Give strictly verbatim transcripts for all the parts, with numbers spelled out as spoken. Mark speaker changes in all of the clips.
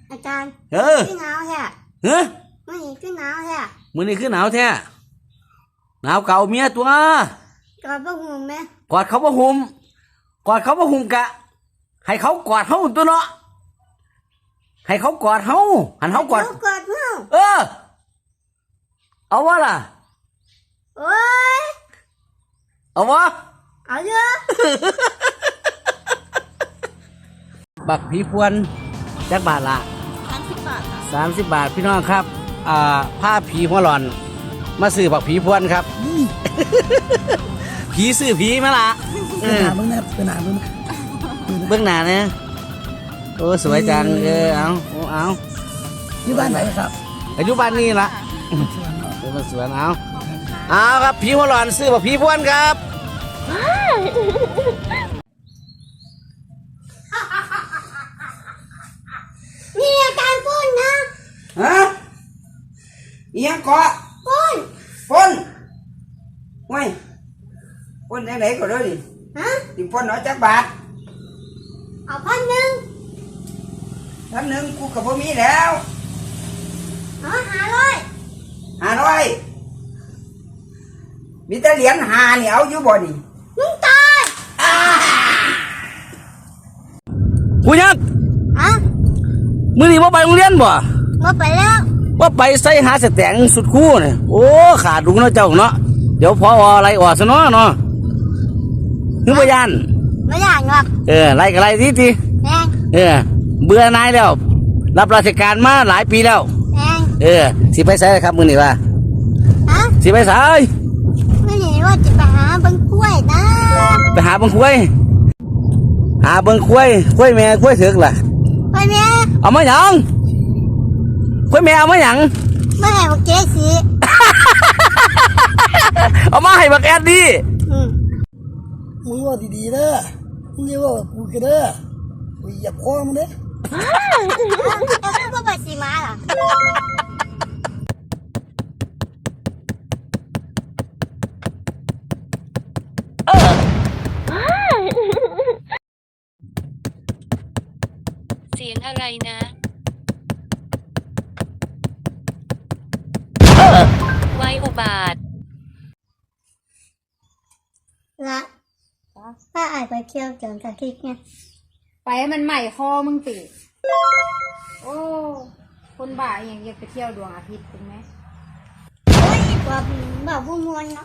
Speaker 1: อาจารย์
Speaker 2: เออ
Speaker 1: ขึ้นหนาวแท้
Speaker 2: เฮ้ย
Speaker 1: มื่อนี้ขึ้นหนาวแท้
Speaker 2: มื้อนี้คือหนาวแท้หนาวเก่าเมียตัว
Speaker 1: กอดบ่ห่มไหม
Speaker 2: กอดเขาบ่ห่มกอดเขาบ่ห่มกะให้เขากอดเฮาตัวเนาะให้เขากอดเฮาหันเฮากอด
Speaker 1: กอดเฮา
Speaker 2: เออเอาวะล่ะ
Speaker 1: โอ้ย
Speaker 2: เอาวะ
Speaker 1: เอาเยอะ
Speaker 2: บักผีพวนจักบาทละ
Speaker 1: สามสิบบาท
Speaker 2: สามสิบบาทพี่น้องครับอ่าผ้าผีหัวหลอนมาซื้อบักผีพวนครับผีซื้อผีมาละ
Speaker 3: เป็นหนาเบื้องหน้าเป็นหนาเบื้อง
Speaker 2: เบื้องหน้าเนี่ยโอ้สวยจังเออเอาเอา
Speaker 3: ที่บ้านไหนครับ
Speaker 2: อายุบ้านนี้ละเป็นสวนเอาเอาครับผีหัวหลอนซื้อบักผีพวนครับ
Speaker 1: นี่อาจารย์ปุ้นนะ
Speaker 2: ฮะยังเกาะ
Speaker 1: ปุ้น
Speaker 2: ปุ้นไม่ปุ้นไหนๆก็ได้ดิ
Speaker 1: ฮะ
Speaker 2: ติปุ้นน้อยจักบาท
Speaker 1: เอาพันหนึ่ง
Speaker 2: พันหนึ่งกูกับพ่มีแล้ว
Speaker 1: เอาหาร้อย
Speaker 2: หาร้อยมีแต่เหรียญหานี่เอาอยู่บ่นี่
Speaker 1: มึงตาย
Speaker 2: กูยัง
Speaker 1: ฮะ
Speaker 2: มื้อนี้ว่าไปโรงเรียนบ่
Speaker 1: มาไปแล้ว
Speaker 2: ว่าไปใส่หาสแตงสุดคู่เนี่ยโอ้ขาดดุงเนาะเจ้าเนาะเดี๋ยวพออะไรออกซะเนาะเนาะนึกว่ายัน
Speaker 1: ไม่อยากหรอก
Speaker 2: เออไล่กับไล่ทีที
Speaker 1: แพง
Speaker 2: เออเบื่อนายแล้วรับราชการมาหลายปีแล้ว
Speaker 1: แพง
Speaker 2: เออสิไปใส่ครับมื้อนี้ว่า
Speaker 1: ฮะ
Speaker 2: สิไปใส่
Speaker 1: ไม่เห็นว่าจะไปหาบังคุ้ยนะ
Speaker 2: ไปหาบังคุ้ยหาบังคุ้ยคุ้ยแม่คุ้ยถึกล่ะ
Speaker 1: ไปแม่
Speaker 2: เอามาหยังคุ้ยแม่เอามาหยัง
Speaker 1: ไม่ให้บักเจ๊สี
Speaker 2: เอามาให้บักแอดดิ
Speaker 3: มึงว่าดีๆเด้อมึงอย่าว่ากูกันเด้อกูเหยียบคอมึงเด้อ
Speaker 1: แล้วก็ไปสีมาล่ะ
Speaker 4: เสียงอะไรนะไว้อุบาท
Speaker 1: ละถ้าอายไปเที่ยวเกินกับคิกไง
Speaker 5: ไปมันใหม่คอมึงติโอ้คนบ้าอย่างอยากไปเที่ยวดวงอาทิตย์ถูกไหม
Speaker 1: โอ้ยแบบแบบบุมวนเนาะ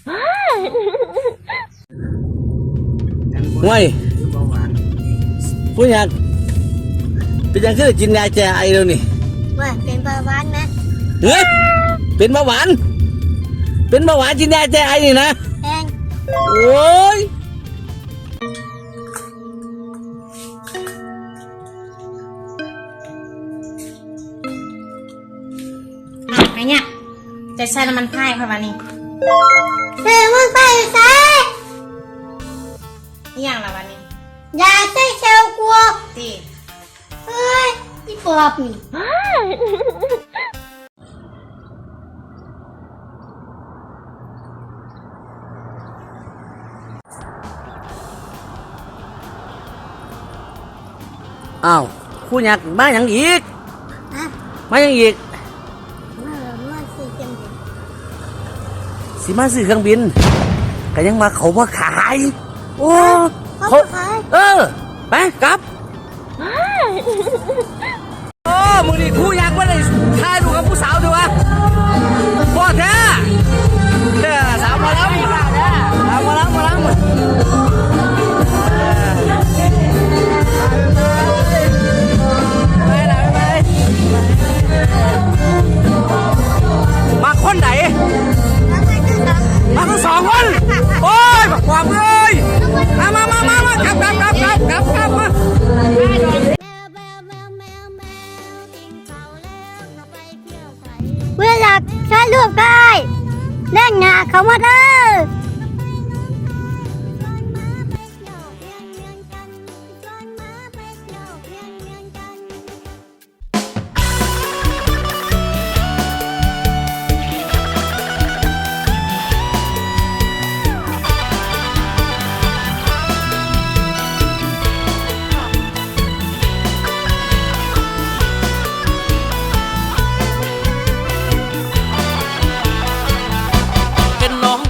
Speaker 2: ห่วยผู้อยากเป็นยังคือกินยาแก้ไอเดี๋ยวนี้
Speaker 1: ว่าเป็นเบาหวานไหม
Speaker 2: เฮ้ยเป็นเบาหวานเป็นเบาหวานกินยาแก้ไอนี่นะ
Speaker 1: แพง
Speaker 2: โอ้ย
Speaker 5: ไงเนี่ยจะใช้น้ำมันพายค่ะวันนี้
Speaker 1: เสือมันไปใส่
Speaker 5: อย่างละวันนี้
Speaker 1: ยาใส่เชลกัว
Speaker 5: ตี
Speaker 1: เฮ้ยอีปอบนี่
Speaker 2: อ้าวคู่ยักษ์มาอย่างอีกมาอย่างอีก
Speaker 1: มาซื้อเครื่องบิน
Speaker 2: สิมาซื้อเครื่องบินก็ยังมาเขามาขายโอ้
Speaker 1: เขาขาย
Speaker 2: เออไปกลับโอ้มือนี่คู่ยักษ์ว่าได้ถ่ายรูปกับผู้สาวดีวะพ่อแท้เด้อสาวมาแล้วสาวมาแล้วมาแล้วมาคนไหนมาทั้งสองคนโอ้ยมาขวางเลยมามามามามากับกับกับกับกับกับมา
Speaker 1: เวลาใช้ลูกได้เล่นงาเขามาเด้อ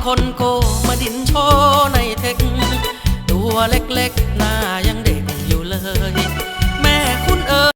Speaker 6: คนโกมาดินโชว์ในเทคตัวเล็กๆหน้ายัง